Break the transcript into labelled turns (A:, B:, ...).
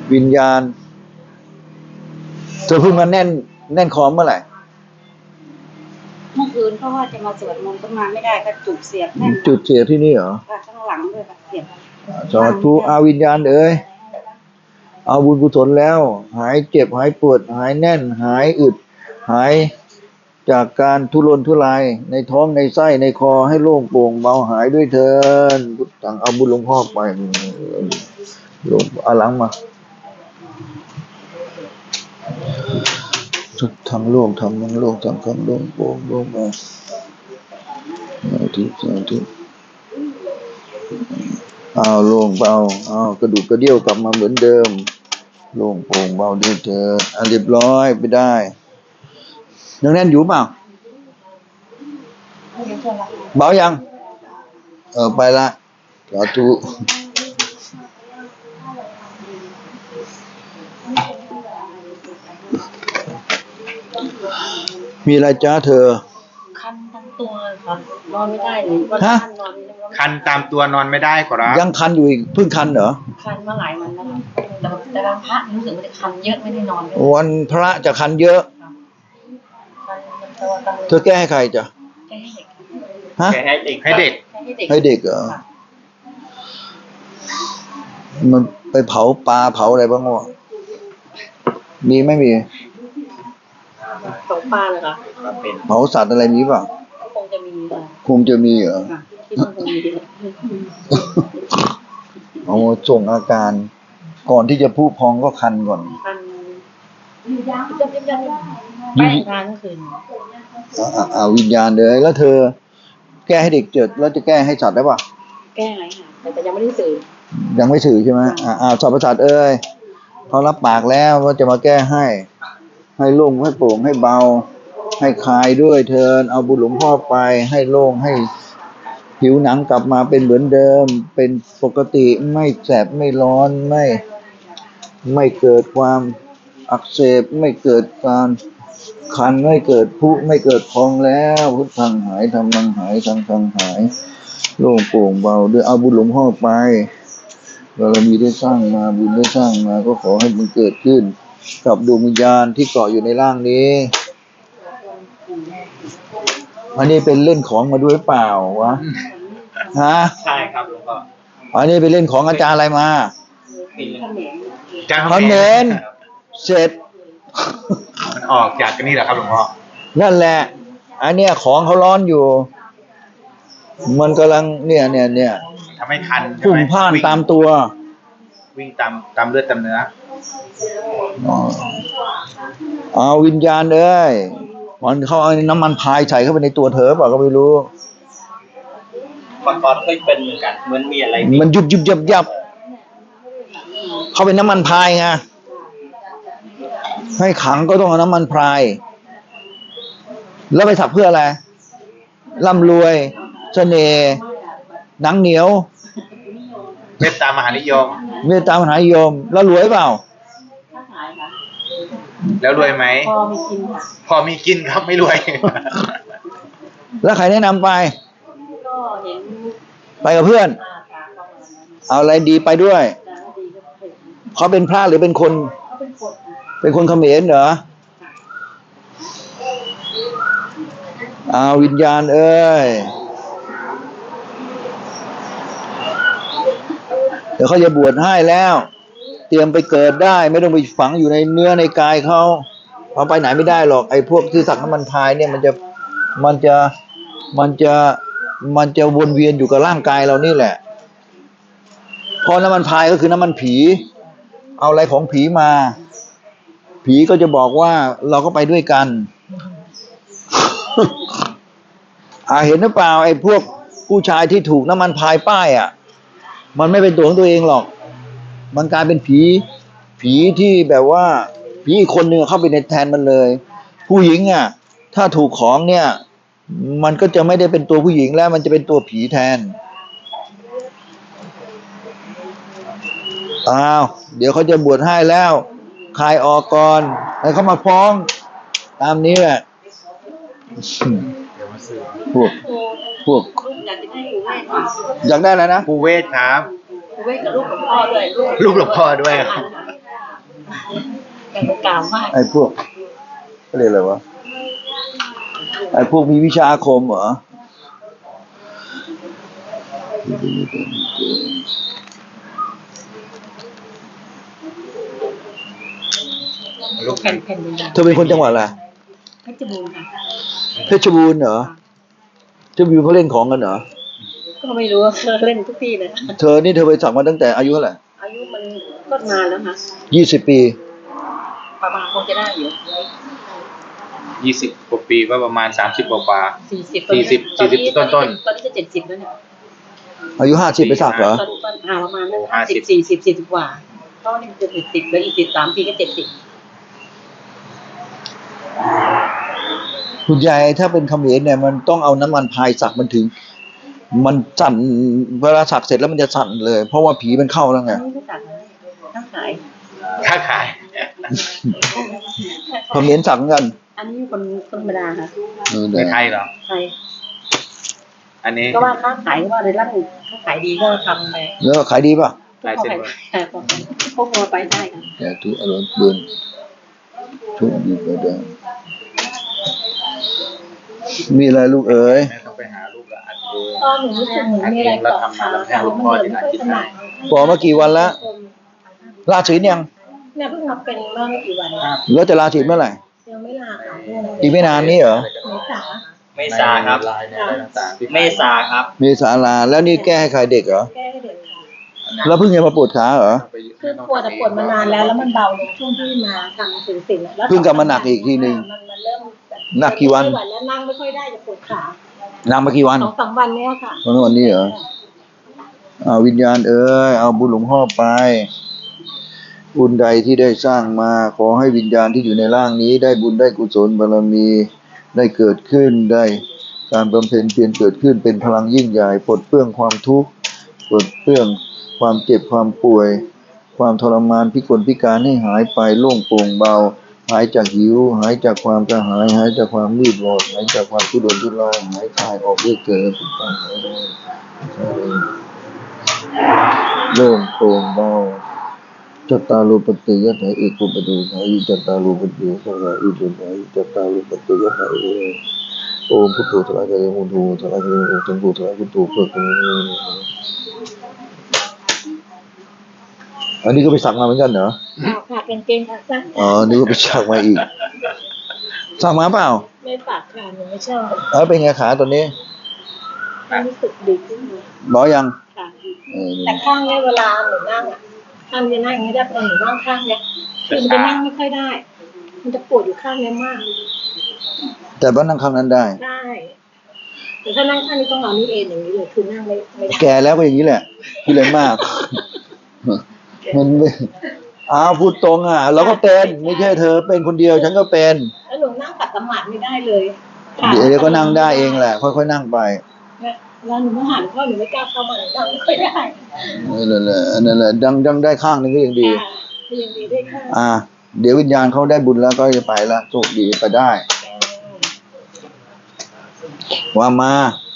A: วิญญาณเธอเพิ่งมาแน่นคอเมื่อไหร่
B: เมื่อคืนเพราะว่าจะมาสวดมนต์ก็มาไม่ได้ก็จุดเสียบแน่น
A: จุดเสียที่นี่เหรอ
B: ข้างหลังด้วยค่ะเสียบ
A: สาธุอาวิญญาณเอาบุญกุศลแล้วหายเจ็บหายปวดหายแน่นหายอึดหายจากการทุรนทุรายในท้องในไส้ในคอให้โล่งโปร่งเบาหายด้วยเถิดพุทธังเอาบุญหลวงพ่อไปหลวงอาหลังมาทุกทางโลกทำทั้งโลกทำคำโล่งโปร่งโล่งเบาสาธุเอาโล่งเบาเอากระดูกกระเดี่ยวกลับมาเหมือนเดิมโล่งโปร่งเบาด้วยเถิดเรียบร้อยไปได้ยังแน่นอยู่เปล่าเบายังไปละสาธุมีอะไรจ้าเธอ
B: คันทั้งตัวครับนอนไม่ได้เลยวันคันนอน
C: คันตามตัวนอนไม่ได้ขอรับ
A: ยังคันอยู่อีกเพิ่งคันเหรอ
B: คันมาหลายวันแล้วแต่วันพระรู้สึกว่าจะคันเยอะไม่ได้นอน
A: วันพระจะคันเยอะเธอแก้ให้ใครจ้ะ
B: แก้ให้เด็ก
A: ฮะ
C: ให้เด็ก
A: ให้เด็กเหรอมันไปเผาปลาเผาอะไรบ้างวะมีไม่มี
B: เผาปลาเลยค่ะ
A: เผาสัตว์อะไรมีป่ะ
B: คงจะมีค่ะ
A: คงจะมีเหรอ
B: ที่มันคงมี
A: เอาส่งอาการก่อนที่จะพุพองก็คันก่อน
B: คันไม่ทานคืน
A: วิญญาณเลยแล้วเธอแก้ให้เด็กเจิดแล้วจะแก้ให้สัตว์ได้ป่ะ
B: แก้ไงค่ะแต่ยังไม่ได้สื่อ
A: ยังไม่สื่อใช่ไหมสัตว์ประสาทเขารับปากแล้วว่าจะมาแก้ให้โล่งให้โปร่งให้เบาให้คลายด้วยเถิดเอาบุญหลวงพ่อไปให้โล่งให้ผิวหนังกลับมาเป็นเหมือนเดิมเป็นปกติไม่แสบไม่ร้อนไม่เกิดความอักเสบไม่เกิดการคันไม่เกิดพุไม่เกิดพองแล้วพุทธังหายธรรมังหายสังฆังหายโล่งโปร่งเบาด้วยเอาบุญหลวงพ่อไปเรามีได้สร้างมาบุญได้สร้างมาก็ขอให้มันเกิดขึ้นกับดวงวิญญาณที่เกาะอยู่ในร่างนี้อันนี้เป็นเล่นของมาด้วยเปล่าวะฮะ
C: ใช่ครับหลวงพ่อ
A: อันนี้เป็นเล่นของอาจารย์อะไรมา
C: เขมร
A: เสร็จ
C: มันออกจากนี่แหละครับหลวงพ่อ
A: นั่นแหละอันเนี้ยของเขาร้อนอยู่มันกำลังเนี่ย
C: ทำให้คัน
A: พุ่งพ่านตามตัว
C: วิ่งตามเลือดตามเนื้อ
A: เอาวิญญาณมันเขาเอาน้ำมันพายใส่เข้าไปในตัวเธอเปล่าก็ไม่รู้
C: ก่อนเคยเป็นเหมือนกันเหมือนมีอะไร
A: มันยุบยับเขาเป็นน้ำมันพายไงให้ขังก็ต้องเอาน้ำมันพายแล้วไปสักเพื่ออะไรร่ำรวยเสน่ห์หนังเหนียว
C: เมตตามหานิยม
A: แล้วรวยเปล่า
C: แล้วรวยไหมพอมีกินครับไม่รวย
A: แล้วใครแนะนำไป
B: ก็เห็น
A: ไปกับเพื่อนเอาอะไรดีไปด้วยเขาเป็นพระหรือเป็นคนเป็นคนเขมรเหรอวิญญาณเดี๋ยวเขาจะบวชให้แล้วเตรียมไปเกิดได้ไม่ต้องไปฝังอยู่ในเนื้อในกายเขาไปไหนไม่ได้หรอกไอ้พวกที่สักน้ำมันพายเนี่ยมันจะวนเวียนอยู่กับร่างกายเรานี่แหละพอน้ำมันพายก็คือน้ำมันผีเอาอะไรของผีมาผีก็จะบอกว่าเราก็ไปด้วยกันเห็นหรือเปล่าไอ้พวกผู้ชายที่ถูกน้ำมันพายป้ายมันไม่เป็นตัวของตัวเองหรอกมันกลายเป็นผีที่แบบว่าผีอีกคนหนึ่งเข้าไปในแทนมันเลยผู้หญิงถ้าถูกของเนี่ยมันก็จะไม่ได้เป็นตัวผู้หญิงแล้วมันจะเป็นตัวผีแทนเดี๋ยวเขาจะบวชให้แล้วคลายออกก่อนให้เขามาฟ้องตามนี้แหละพวกอยากได้อะไรนะ
C: ปูเวทครับ
B: ปูเวทกับลูกหลวงพ่อด้วย
C: ลูกหลวงพ่อด้วย
B: แต่ก็กล่าวว่า
A: ไอ้พวกเขาเรียกอะไรวะไอ้พวกมีวิชาอาคมเหรอ
C: ลูก
B: แผ่นแผ่นดิน
A: เธอเป็นคนจังหวัดอะไร
B: เพชรบูรณ์ค่ะ
A: เพชรบูรณ์เหรอเพชรบูรณ์เขาเล่นของกันเหรอ
B: ก็ไม่รู้ว่าเล่นทุกที่เลย
A: เธอนี่เธอไปสักมาตั้งแต่อายุเท่าไหร่
B: อายุมันก็นานแล้วค่ะ
A: 20 ปี
B: ประมาณคงจะได้อยู่
C: 20 กว่าปีว่าประมาณ30 กว่า
B: 40
C: 40ต้น
B: ตอนนี้จะ70แล้วเนี่ย
A: อายุ50ไปสักเหรอ
B: ตอนประมาณนั้น40 กว่าเพราะนี่จะ70แล้วอีก13 ปีก็70
A: คุณยายถ้าเป็นเขมรเนี่ยมันต้องเอาน้ำมันพายสักมันถึง มันสั่นเวลาสักเสร็จแล้วมันจะสั่นเลย เพราะว่าผีมันเข้าแล้วไง
B: อันนี้ไม่ตัดนะต้องขาย
C: ค้าขาย
A: เขมรสักเหมือนกัน
B: อันนี้คนธรรมดาค่ะ
C: ในไทยเหรอ
B: ใช่
C: อันนี้
B: ก็ว่าค้าขายก็ว่าในร้านค้าขายดีก็ทำไป
A: แล้วขายดีป่ะ
C: ลายเซ็น
B: พวกมัวไปได้ค่ะ
A: แต่ทุกอารมณ์เบือนทุกดีก็ได้มีอะไรลูกเอ๋ย
C: แม่ต้องไปหาลูกละอัดเอง
B: ก็หนูรู้สึกเหมือนมีอะไรเกาะขาค่ะมันเหมือนไม่ค่อยถนัด
A: บอกมากี่วันแล้วลาศีลยัง
B: เนี่ยเพิ่งมาเป็นเมื่อไม่กี่วัน
A: แล้วจะลาศีลเมื่อไหร่
B: ยังไม่ลาค่ะ
A: อีกไม่นานนี้เหรอ
B: เมษา
D: เมษาครับ
C: ลายในอะไรต่างๆที่
D: เมษาครับ
A: เมษาลาแล้วนี่แก้ให้ใครเด็กเหรอ
B: แก้ให้เด็กค่ะ
A: แล้วเพิ่งจะมาปวดขาเหรอ
B: คือปวดแต่ปวดมานานแล้วมันเบาลงช่วงที่มาทำสื่อสิ่งแล้ว
A: เพิ่งกลับมาหนักอีกทีหนึ่ง
B: มันเริ่มแบบ
A: หนักกี่วัน
B: ไม่ไหแล้วนั่งไม่ค่อยได้จะปวดขา
A: นั่งมากี่วัน
B: 2-3 วันเนี้ยค่ะ
A: วันนี้เหรอเอาวิญญาณเอ้ยเอาบุญหลวงพ่อไป บุญใดที่ได้สร้างมา ขอให้วิญญาณที่อยู่ในร่างนี้ ได้บุญได้กุศลบารมี ได้เกิดขึ้นได้การบำเพ็ญเพียรเกิดขึ้นเป็นพลังยิ่งใหญ่ปลดเปลื้องความทุกข์ปลดเปลื้องความเจ็บความป่วย ความทรมานพิกลพิการให้หายไปโล่งโปร่งเบา หายจากหิว หายจากความกระหาย หายจากความมืดบอดหายจากความทุรนทุรายหายคลายออกด้วยเกิดเป็นต้นโล่งโปร่งเบาจัตตารุปฏิยะถาเอกุปฏิถาอิจัตตารุปฏิยะถาอิจุถาอิจัตตารุปฏิยะถาเอโอมพุทโธทลายกายมุทูทลายกายมุทังโฆทลายพุทโธเพื่อกันอันนี้ก็ไปสักมาเหมือนกันเหรอ
B: ค่ะเป็นเกงขาสั้น
A: อ๋อนึกว่าไปสักมาอีกสักมาเปล่า
B: ไม่ปากค่ะหนูไม่ชอบ
A: แล้วเป็นไงขาตัวนี้
B: รู้สึกดีขึ้นเลย
A: บอกยัง
B: ค่ะ
A: เออ
B: แต่ข้างเนี้ยเวลาหนูนั่งอ่ะข้างจะนั่งอย่างนี้ได้แต่หนูนั่งข้างเนี้ยคือมันจะนั่งไม่ค่อยได้ มันจะปวดอยู่ข้างเนี้ยมาก
A: แต่ว่านั่งข้างนั้นได้
B: ได้แต่ถ้านั่งข้างนี้ต้องเอานี่เองอย่างนี้เลยคือนั่งไม่ได้
A: แก่แล้วก็อย่างนี้แหละที่เลยมาก มันไม่อ้าวพูดตรงอ่ะ เราก็เป็นไม่ใช่เธอเป็นคนเดียวฉันก็เป็น
B: แล้วหนูนั่งขัดสมาธิไม่ได้เลย
A: เดี๋ยวก็นั่งได้เองแหละ ค่อยๆนั่งไป
B: แล้วหนูมาหันเข้าหนูไม่กล้าเข้ามาหนูนั่งไม่ค่อยได้
A: นั่นแหละนั่นแหละดังได้ข้างหนึงก็ยังดี
B: ยังดีได้ค่ะ
A: อ่า เดี๋ยววิญญาณเขาได้บุญแล้วก็จะไปแล้วโชคดีไปได้ ว่ามา